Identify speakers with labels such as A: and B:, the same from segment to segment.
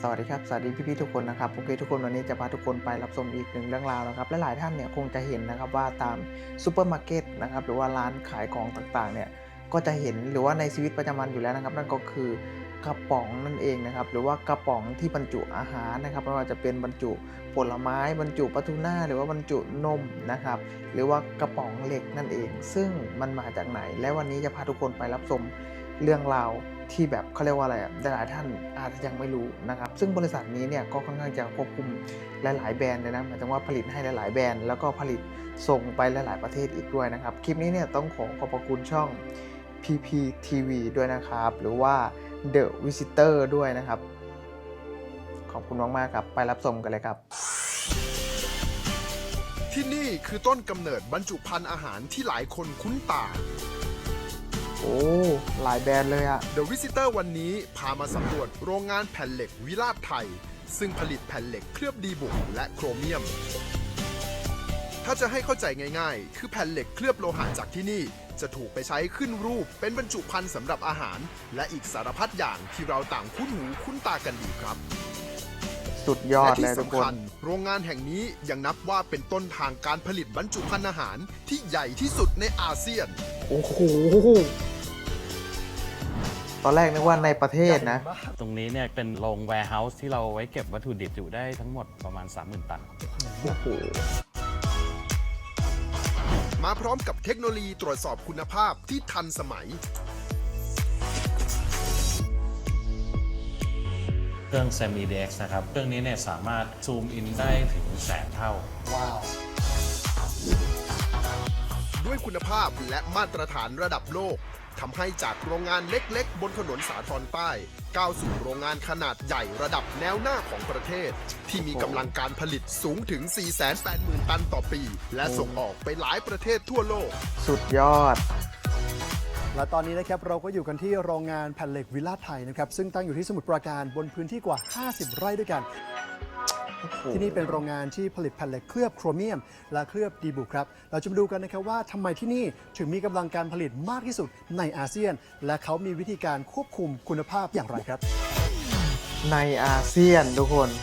A: สวัสดีครับสวัสดีพี่ๆทุกคนนะครับโอเคทุกคนวันนี้จะพาทุกคนไปรับชมอีกหนึ่งเรื่องราวนะครับและหลายท่านเนี่ยคงจะเห็นนะครับว่าตามซูเปอร์มาร์เก็ตนะครับหรือว่าร้านขายของต่างๆเนี่ยก็จะเห็นหรือว่าในชีวิตประจำวันอยู่แล้วนะครับนั่นก็คือกระป๋องนั่นเองนะครับหรือว่ากระป๋องที่บรรจุอาหารนะครับไม่ว่าจะเป็นบรรจุผลไม้บรรจุปลาทูน่าหรือว่าบรรจุนมนะครับหรือว่ากระป๋องเหล็กนั่นเองซึ่งมันมาจากไหนและวันนี้จะพาทุกคนไปรับชมเรื่องราวที่แบบเขาเรียกว่าอะไรหลายท่านอาจจะยังไม่รู้นะครับซึ่งบริษัทนี้เนี่ยก็ค่อนข้างจะควบคุมหลายๆแบรนด์เลยนะหมายถึงว่าผลิตให้หลายๆแบรนด์แล้วก็ผลิตส่งไปหลายๆประเทศอีกด้วยนะครับคลิปนี้เนี่ยต้องขอบพระคุณช่อง PPTV ด้วยนะครับหรือว่า The Visitor ด้วยนะครับขอบคุณมากๆครับไปรับชมกันเลยครับ
B: ที่นี่คือต้นกำเนิดบรรจุภัณฑ์อาหารที่หลายคนคุ้นตา
A: โอ้หลายแบรนด์เลยอะ
B: The Visitor วันนี้พามาสำรวจโรงงานแผ่นเหล็กวิราชไทยซึ่งผลิตแผ่นเหล็กเคลือบดีบุกและโครเมียมถ้าจะให้เข้าใจง่ายๆคือแผ่นเหล็กเคลือบโลหะจากที่นี่จะถูกไปใช้ขึ้นรูปเป็นบรรจุภัณฑ์สำหรับอาหารและอีกสารพัดอย่างที่เราต่างคุ้นหูคุ้นตากันดีครับ
A: สุดยอด
B: และ
A: เล
B: ที่
A: ยทุกค
B: สำคั
A: น
B: ญโรงงานแห่งนี้ยังนับว่าเป็นต้นทางการผลิตบรรจุภัณฑ์อาหารที่ใหญ่ที่สุดในอาเซียน
A: โอ้โหตอนแรกนึกว่าในประเทศนะ
C: ตรงนี้เนี่ยเป็นโรง warehouse ที่เราไว้เก็บวัตถุดิบอยู่ได้ทั้งหมดประมาณ 30,000 ตัน
A: โอ้โห
B: มาพร้อมกับเทคโนโลยีตรวจสอบคุณภาพที่ทันสมัย
C: เครื่อง SEMIDX นะครับ เครื่องนี้เนี่ยสามารถซูมอินได้ถึงแสนเท่า
A: ว้าว
B: ด้วยคุณภาพและมาตรฐานระดับโลกทำให้จากโรงงานเล็กๆ บนถนนสาทรใต้ก้าวสู่โรงงานขนาดใหญ่ระดับแนวหน้าของประเทศ ที่มีกำลังการผลิตสูงถึง 480,000 ตันต่อปี และส่งออกไปหลายประเทศทั่วโลก
A: สุดยอด
D: และตอนนี้นะครับเราก็อยู่กันที่โรงงานแผ่นเหล็กวิลาศไทยนะครับซึ่งตั้งอยู่ที่สมุทรปราการบนพื้นที่กว่า 50 ไร่ด้วยกัน ที่นี่เป็นโรงงานที่ผลิตแผ่นเหล็กเคลือบโครเมียมและเคลือบดีบุกครับเราจะมาดูกันนะครับว่าทำไมที่นี่ถึงมีกำลังการผลิตมากที่สุดในอาเซียน และเขามีวิธีการควบคุมคุณภาพอย่างไรครับ
A: ในอาเซียนทุกคน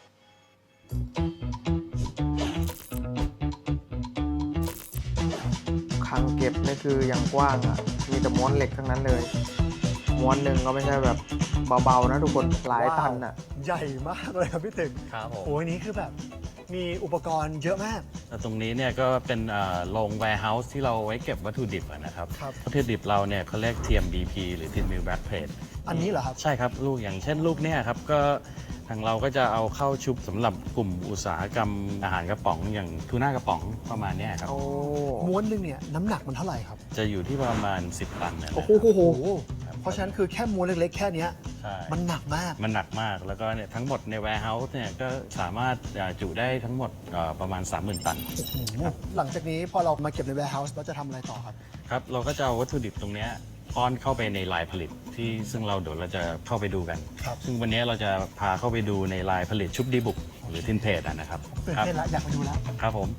A: คลังเก็บนี่คืออย่างกว้างอ่ะมีแต่ม้วนเหล็กทั้งนั้นเลยม้วนหนึ่งก็ไม่ใช่แบบเบาๆนะทุกคนหลายตันอ่ะ
D: ใหญ่มากเลยครับพี่ตึง
C: ครับผม
D: โอ้ยนี้คือแบบมีอุปกรณ์เยอะมาก
C: แล้วตรงนี้เนี่ยก็เป็นโรง warehouse ที่เราไว้เก็บวัตถุดิบนะครับ
D: ครับ
C: วัตถุดิบเราเนี่ยเขาเรียก TMBP หรือ Thin Mill Back Plate
D: อันนี้เหรอครับ
C: ใช่ครับลูกอย่างเช่นลูกเนี่ยครับก็ทางเราก็จะเอาเข้าชุบสำหรับกลุ่มอุตสาหกรรมอาหารกระป๋องอย่างทูน่ากระป๋องประมาณเนี้ยครับ
A: โอ้
D: ม้วนหนึ่งเนี่ยน้ำหนักมันเท่าไหร่ครับ
C: จะอยู่ที่ประมาณ 10 ตันเนี่ยนะ
D: โอ้โหเพราะฉะนั้นคือแค่ม้วนเล็กๆแค่เนี้ย
C: ใช่
D: มันหนักมาก
C: มันหนักมากแล้วก็เนี่ยทั้งหมดใน warehouse เนี่ยก็สามารถจุได้ทั้งหมดประมาณ 30,000 ตัน
D: หลังจากนี้พอเรามาเก็บใน warehouse เราจะทำอะไรต่อครับ
C: ครับเราก็จะเอาวัตถุดิบตรงเนี้ยป้อนเข้าไปในลายผลิตที่ซึ่งเราเดี๋ยวเราจะเข้าไปดูกัน
D: ครับ
C: ซึ่งวันนี้เราจะพาเข้าไปดูในลายผลิตชุบดีบุกหรือทินเพจนะครับ
D: ตื่น
C: ครับ
D: เต้นละอยากไปดูแล้ว
C: ครับผม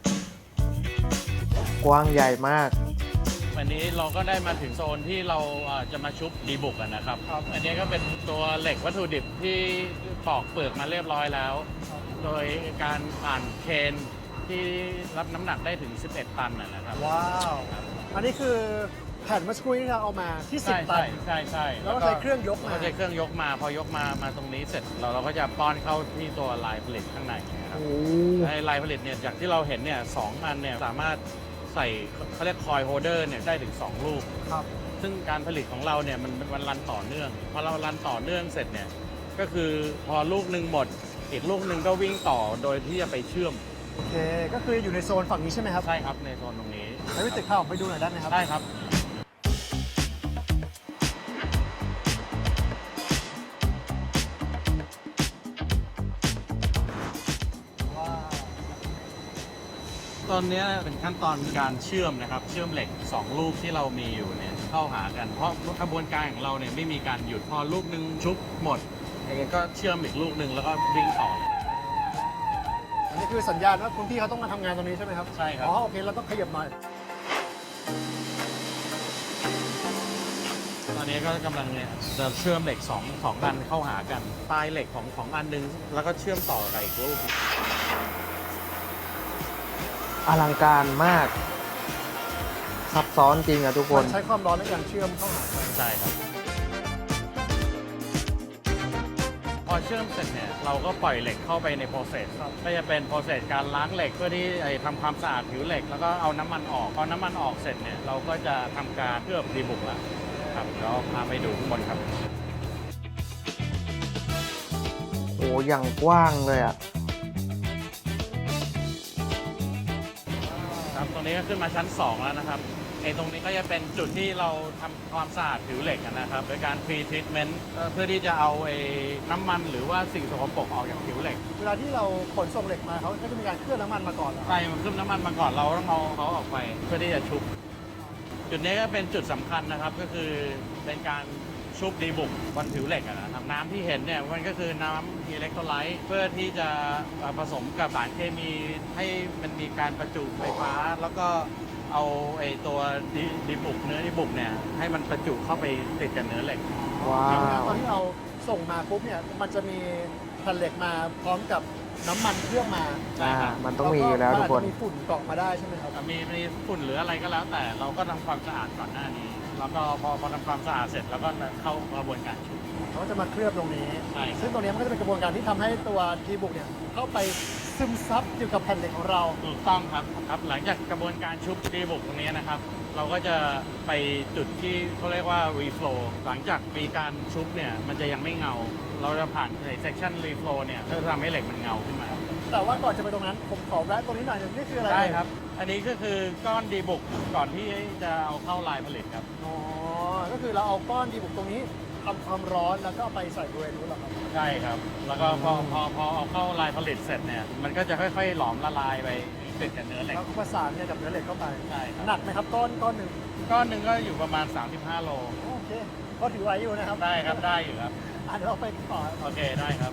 A: กว้างใหญ่มาก
C: วันนี้เราก็ได้มาถึงโซนที่เราจะมาชุบดีบุกกันนะครับ อันนี้ก็เป็นตัวเหล็กวัตถุดิบที่ปอกเปลือกมาเรียบร้อยแล้ว โดยการผ่านเคนที่รับน้ำหนักได้ถึง 11 ตันนะครับ
D: ว้าว อันนี้คือแผ่นเมื่อสักครู่ที่เราเอามาที่ 10 ตัน
C: ใช่
D: แล้วก็ใช้เครื่องยกมา
C: ก็ใช้เครื่องยกมาพอยกมาตรงนี้เสร็จเราก็จะป้อนเข้าที่ตัวลายผลิตข้างในนะครับ
D: โอ้
C: ในลายผลิตเนี่ยจากที่เราเห็นเนี่ย2 อันเนี่ยสามารถใส่เขาเรียกคอยโฮเดอร์เนี่ยได้ถึง 2 ลูก
D: ครับ
C: ซึ่งการผลิตของเราเนี่ยมันรันต่อเนื่องพอเรารันต่อเนื่องเสร็จเนี่ยก็คือพอลูกหนึ่งหมดอีกลูกหนึ่งก็วิ่งต่อโดยที่จะไปเชื่อม
D: โอเค ก็คืออยู่ในโซนฝั่งนี้ใช่ไหมครับ
C: ใช่ครับในโซนตรงนี้
D: แล้วพี่ตึกเข้าไปดูหน่อยได้ไหมครับ
C: ได้ครับ
D: ว้าว
C: ตอนนี้เป็นขั้นตอนการเชื่อมนะครับเชื่อมเหล็ก 2 ลูกที่เรามีอยู่เนี่ยเข้าหากันเพราะกระบวนการของเราเนี่ยไม่มีการหยุดพอลูกหนึ่งชุบหมดอย่างเงี้ยก็เชื่อมอีกลูกหนึ่งแล้วก็วิ่งต่อ
D: อันนี้คือสัญญาณว่าคุณพี่เขาต้องมาทำงานตรงนี้ใช่ไหมครับ
C: ใช่ครับ
D: อ๋อโอเคเราต้องขยับหน่อย
C: ตอนนี้ก็กำลังเนี่ยจะเชื่อมเหล็กสองอันเข้าหากันปลายเหล็กของอันนึงแล้วก็เชื่อมต่อกับอีกรูป
A: อลังการมากซับซ้อนจริงอะทุกค
D: มัน นใช้ความร้อนในการเชื่อมเข้าหากัน
C: ใช่ครับ พอเชื่อมเสร็จเนี่ยเราก็ปล่อยเหล็กเข้าไปในโปรเซสก็จะเป็นโปรเซสการล้างเหล็กเพื่อที่ทำความสะอาดผิวเหล็กแล้วก็เอาน้ำมันออกพอน้ำมันออกเสร็จเนี่ยเราก็จะทำการเคลือบดีบุกแล้วครับเดี๋ยวพาไปดูข้างบนครับ
A: โอ้อย่างกว้างเลยอะ
C: ครับตรงนี้ก็ขึ้นมาชั้น 2 แล้วนะครับตรงนี้ก็จะเป็นจุดที่เราทำความสะอาดผิวเหล็กนะครับโดยการ pre treatment เพื่อที่จะเอาน้ำมันหรือว่าสิ่งสกปรกออกจากผิวเหล็ก
D: เวลาที่เราขนส่งเหล็กมาเขาก็จะมีการเคลือบน้ำมันมาก่อนเหรอ
C: ใช่มันขึ้นน้ำมันมาก่อนเราต้องเอาเขาออกไปเพื่อที่จะชุบ จุดนี้ก็เป็นจุดสำคัญนะครับก็คือเป็นการชุบดีบุกบนผิวเหล็กนะครับน้ำที่เห็นเนี่ยมันก็คือน้ำอิเล็กโทรไลต์เพื่อที่จะผสมกับสารเคมีให้มันมีการประจุไฟฟ้า แล้วก็เอาตัวดีบุกเนื้อดีบุกเนี่ยให้มันประจุเข้าไปติดกับเนื้อเหล็ก
A: ว้า
D: ตอน
A: ว
D: ที่เราส่งมาปุ๊บเนี่ยมันจะมีแผ่นเหล็กมาพร้อมกับน้ำมันเคลือบมา
C: ใช่ครับ
A: มันต้องมีอยู่แล้วทุกคน
D: มัอาจจะมีฝุ่นเกาะมาได้ใช่ไหมครับ
C: มีฝุ่นหรืออะไรก็แล้วแต่เราก็ทำความสะอาดก่อนหน้านี้ แล้วก็พอทำความสะอาดเสร็จแล้วก็เข้ากระบวนการชุบ
D: เขาจะมาเคลือบตรงนี้
C: ใช่ครับ
D: ซึ่งตรงนี้มันก็จะเป็นกระบวนการที่ทำให้ตัวดีบุกเนี่ยเข้าไปซึมซับอยู่กับแผ่นเหล็กของเรา
C: ถูกต้องครับหลังจากกระบวนการชุบดีบุกตรงนี้นะครับ เราก็จะไปจุดที่เขาเรียกว่า reflow หลังจากมีการชุบเนี่ยมันจะยังไม่เงา เราจะผ่านใน section reflow เนี่ยเพื่อทำให้เหล็กมันเงาขึ้นมา
D: แต่ว่าก่อนจะไปตรงนั้นผมขอแวะตรงนี้หน่อยหนึงนี่คืออะไร
C: ได้ครับ อันนี้ก็คือก้อนดีบุกก่อนที่จะเอาเข้าลายผลิตครับ
D: อ๋อก็คือเราเอาก้อนดีบุกตรงนี้ทำความร้อนแล้วก็เอาไปใส่บริเวณนู้นเหรอครับ
C: ใช่ครับ แล้วก็พอเอาเข้าลายผลิตเสร็จเนี่ยมันก็จะค่อยๆหลอมละลายไปติดกับเนื้อเหล็ก
D: แล้วก็ประสานเนี่ยกับเนื้อเหล็กเข้าไป
C: ใช่ครับ
D: หนักไหมครับก้อนหนึ่ง
C: ก้อนหนึ่งก็อยู่ประมาณ 35 โล
D: โอเคก็ถือไหวอยู่นะครับ
C: ได้ครับได้อยู่ครับ
D: เดี๋ยวเราไปต่อ
C: โอเคได้ครับ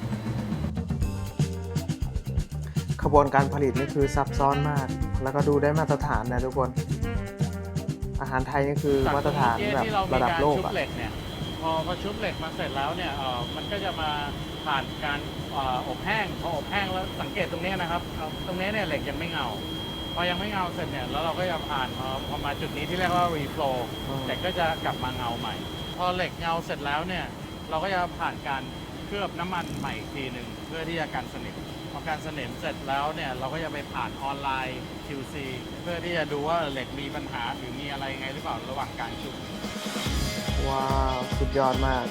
A: ขบวนการผลิตนี่คือซับซ้อนมาก แล้วก็ดูได้มาตรฐานนะทุกคน อาหารไทยนี่คือมาตรฐานแบบ
C: ที่เรามี
A: ระดับ
C: การ
A: โลก
C: ชุบ
A: อะ
C: เหล็กเนี่ยพอชุบเหล็กมาเสร็จแล้วเนี่ยมันก็จะมาผ่านการอบแห้งพออบแห้งแล้วสังเกตตรงนี้นะครับตรงนี้เนี่ยเหล็กยังไม่เงา พอยังไม่เงาเสร็จเนี่ยแล้วเราก็จะผ่านพอมาจุดนี้ที่เรียกว่า reflow เหล็กก็จะกลับมาเงาใหม่ พอเหล็กเงาเสร็จแล้วเนี่ยเราก็จะผ่านการเคลือบน้ำมันใหม่อีกทีหนึ่งเพื่อที่จะกันสนิมพอการสนิมเสร็จแล้วเนี่ยเราก็จะไปผ่านออนไลน์ QC เพื่อที่จะดูว่าเหล็กมีปัญหาหรือมีอะไรไงหรือเปล่าระหว่างการชุบ
A: ว้าว สุดยอดมาก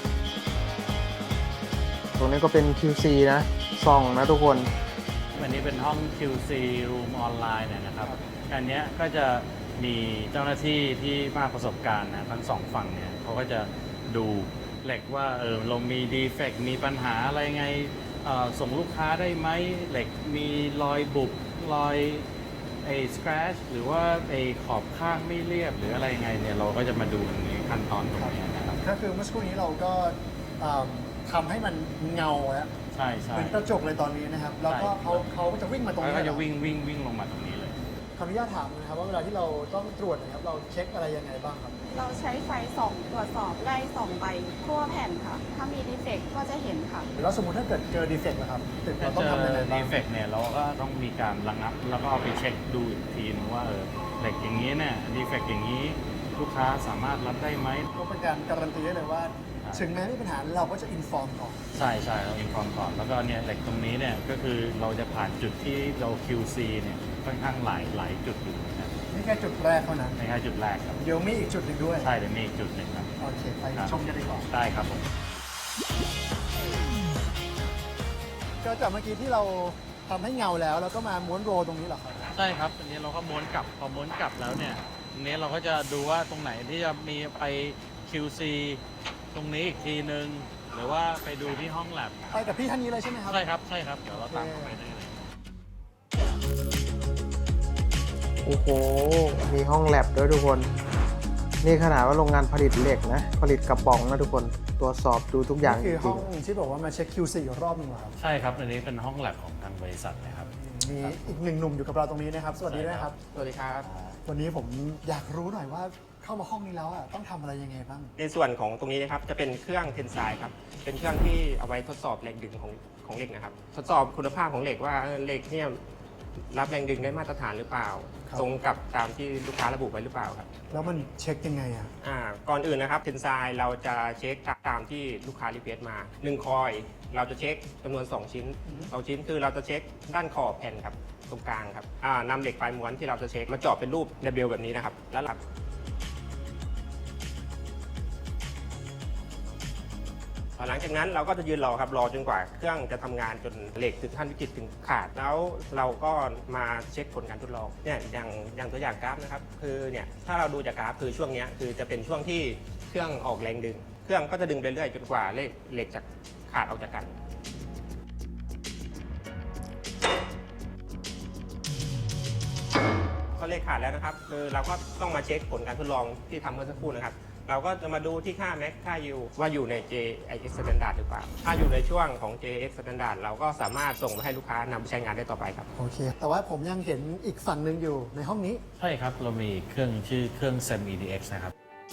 A: ตรงนี้ก็เป็น QC นะส่องนะทุกคน
C: วันนี้เป็นห้อง QC Room ออนไลน์เนี่ยนะครับ อันเนี้ยก็จะมีเจ้าหน้าที่ที่มากประสบการณ์นะทั้งสองฝั่งเนี่ยเขาก็จะดูเหล็กว่าเรามีดีเฟกต์มีปัญหาอะไรไงส่งลูกค้าได้ไหมเหล็กมีรอยบุบรอยscratch หรือว่าขอบข้างไม่เรียบหรืออะไรไงเนี่ยเราก็จะมาดูในขั้นตอนตรงนี้นะครับ
D: ก็คือเมื่อสักครู่นี้เราก็ทำให้มันเงาแล้ว
C: ใช่ใช่
D: เหมือนกระจกเลยตอนนี้นะครับ แล้วก็เขาก็จะวิ่งมาตรง
C: แล้ว
D: นี้
C: ก็
D: เหร
C: จะ
D: อ
C: วิ่งลงมาตรงนี้เลย
D: ขออนุญาตถามนะครับว่าเวลาที่เราต้องตรวจนะครับเราเช็คอะไรยังไงบ้างครับ
E: เราใช้ไฟส่องตรวจสอบไล่ส่องไปทั่วแผ่นค่ะ ถ้ามีดีเฟกต์ก็จะเห็นค่ะ
D: แล้วสมมติถ้าเกิดเจอดีเฟกต์นะครับตึก
C: ถ้า
D: เราต้
C: เจ
D: อง
C: อ
D: ทำยังไงบ้า
C: ดี
D: ง
C: เฟกต์เนี่ยเราก็ต้องมีการระงับ แล้วก็เอาไปเช็คดูอีกทีนึงว่าเหล็กอย่างนี้เนี่ยดีเฟกต์อย่างนี้ลูกค้าสามารถรับได้ไหม
D: ก็เป็นการการันตีได้เลยว่า
C: ครับ
D: ถึงแม้ไม่มีปัญหาเราก็จะอินฟอร์มก่อน
C: ใช่ใช่เราอินฟอร์มก่อนแล้วก็เนี่ยเหล็กตรงนี้เนี่ยก็คือเราจะผ่านจุดที่เรา QC เนี่ยค่อนข้างหลายจุดอยู่นะครับ
D: นี่แค่จุดแรกเท่านั้น
C: ในแค่จุดแรกครับ
D: เดี๋ยวมีอีกจุดหนึ่งด้วย
C: ใช่เดี๋ยวมีอีกจุดหนึ่งครับ
D: โอเคไป
C: ครับ
D: ชมกันดีกว่า
C: ได้ครับผม
D: ก็จากเมื่อกี้ที่เราทำให้เงาแล้วก็มาม้วนโรลตรงนี้เหรอครับ
C: ใช่ครับอันนี้เราก็ม้วนกลับพอม้วนกลับแล้วเนี่ยตรงนี้เราก็จะดูว่าตรงไหนที่จะมีไป QC ตรงนี้อีกทีนึงหรือว่าไปดูที่ห้องแลบ
D: ไปกับพี่ท่านนี้เลยใช่ไหมครับ
C: ใช่ครับใช่ครับเดี๋ยวเราตามเข้าไปได้เลย
A: โอ้โห มีห้องแลบด้วยทุกคน นี่ขนาดว่าโรงงานผลิตเหล็กนะ ผลิตกระป๋องนะทุกคน ตรวจสอบดูทุกอย่าง
D: นี่
A: จ
D: คือห้
A: ริ
D: อง งที่บอกว่ามาเช็ค QC อีกรอบหนึงเหรอครับ
C: ใช่ครับอันนี้เป็นห้องแลบของทางบริษัทนะครับ
D: มีอีกหนึ่งหนุ่มอยู่กับเราตรงนี้นะครับ สวัสดีด้วยครับ
F: สวัสดีครับ
D: วันนี้ผมอยากรู้หน่อยว่าเข้ามาห้องนี้แล้วอ่ะต้องทำอะไรยังไงบ้าง
F: ในส่วนของตรงนี้นะครับจะเป็นเครื่องเทนไซครับเป็นเครื่องที่เอาไว้ทดสอบแรงดึงของเหล็กนะครับทดสอบคุณภาพของเหล็กว่าเหล็กเนี่ยรับแรงดึงได้มาตรฐานหรือเปล่า
D: ครับ
F: ตรงกับตามที่ลูกค้าระบุไว้หรือเปล่าครับ
D: แล้วมันเช็คยังไงอ่ะ
F: ก่อนอื่นนะครับเทนไซเราจะเช็คตามที่ลูกค้ารีเควสต์มา1คอยเราจะเช็คจำนวน2ชิ้น2ชิ้นคือเราจะเช็คด้านขอบแผ่นครับตรงกลางครับนำเหล็กปลายม้วนที่เราจะเช็คมาเจาะเป็นรูป W แบบนี้นะครับแล้วหลังจากนั้นเราก็จะยืนรอครับรอจนกว่าเครื่องจะทำงานจนเหล็กถึงขั้นวิกฤตถึงขาดแล้วเราก็มาเช็คผลการทดลองเนี่ยอย่างตัวอย่างกราฟนะครับคือเนี่ยถ้าเราดูจากกราฟคือช่วงนี้คือจะเป็นช่วงที่เครื่องออกแรงดึงเครื่องก็จะดึงไปเรื่อยจนกว่าเหล็กจะขาดออกจากกันพอเหล็กขาดแล้วนะครับคือเราก็ต้องมาเช็คผลการทดลองที่ทำเมื่อสักครู่นะครับเราก็จะมาดูที่ค่า max ค่า U ว่าอยู่ใน JIX Standard หรือเปล่าถ้าอยู่ในช่วงของ JIX Standard เราก็สามารถส่งไปให้ลูกค้านำไปใช้งานได้ต่อไปครับ
D: โอเค แต่ว่าผมยังเห็นอีกฝั่งหนึ่งอยู่ในห้องนี้
C: ใช่ครับ เรามีเครื่องชื่อเครื่อง SEM EDX นะครับ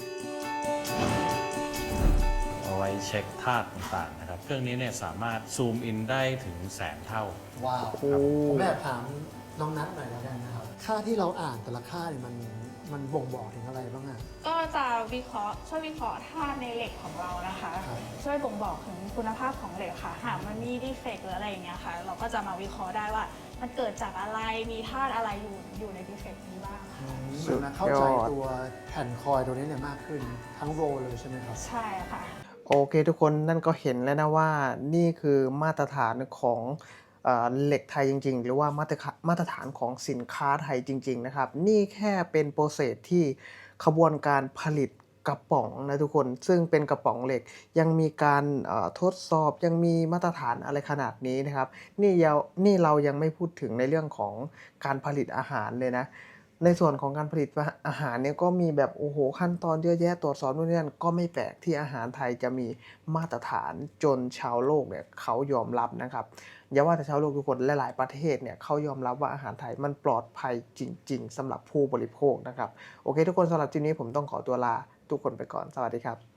C: เอาไว้เช็คธาตุต่างๆนะครับ เครื่องนี้เนี่ยสามารถซูมอินได้ถึงแสนเท่า
D: ว้าว ผมแอบถามน้องนัทหน่อยแล้วกันนะครับ ค่าที่เราอ่านแต่ละค่าเนี่ยมันบ่งบอกถึงอะไรบ้างอ่ะ
E: ก็จะช่วยวิเคราะห์ธาตุในเหล็กของเรานะคะ
D: ครับ
E: ช่วยบ่งบอกถึงคุณภาพของเหล็กค่ะหากมันมีดีเฟกต์หรืออะไรอย่างเงี้ยค่ะ เราก็จะมาวิเคราะห์ได้ว่า มันเกิดจากอะไรมีธาตุอะไรอยู่ในดีเฟกต์นี้บ้างค่ะ
D: เหมือนนะเข้าใจตัวแผ่นคอยตัวนี้เนี่ยมากขึ้นทั้งโรลเลยใช่ไหมครับ
E: ใช่ค่ะ
A: โอเคทุกคนนั่นก็เห็นแล้วนะว่านี่คือมาตรฐานของเหล็กไทยจริงๆ หรือว่ามาตรฐานของสินค้าไทยจริงๆนะครับนี่แค่เป็นโปรเซสที่ขบวนการผลิตกระป๋องนะทุกคนซึ่งเป็นกระป๋องเหล็กยังมีการทดสอบยังมีมาตรฐานอะไรขนาดนี้นะครับนี่เรายังไม่พูดถึงในเรื่องของการผลิตอาหารเลยนะในส่วนของการผลิตอาหารเนี่ยก็มีแบบโอ้โหขั้นตอนเยอะแยะตรวจสอบนู่นนี่นั่นก็ไม่แปลกที่อาหารไทยจะมีมาตรฐานจนชาวโลกเนี่ยเขายอมรับนะครับอย่าว่าแต่ชาวโลกทุกคนหลายๆประเทศเนี่ยเขายอมรับว่าอาหารไทยมันปลอดภัยจริงๆสำหรับผู้บริโภคนะครับโอเคทุกคนสำหรับคลิปนี้ผมต้องขอตัวลาทุกคนไปก่อนสวัสดีครับ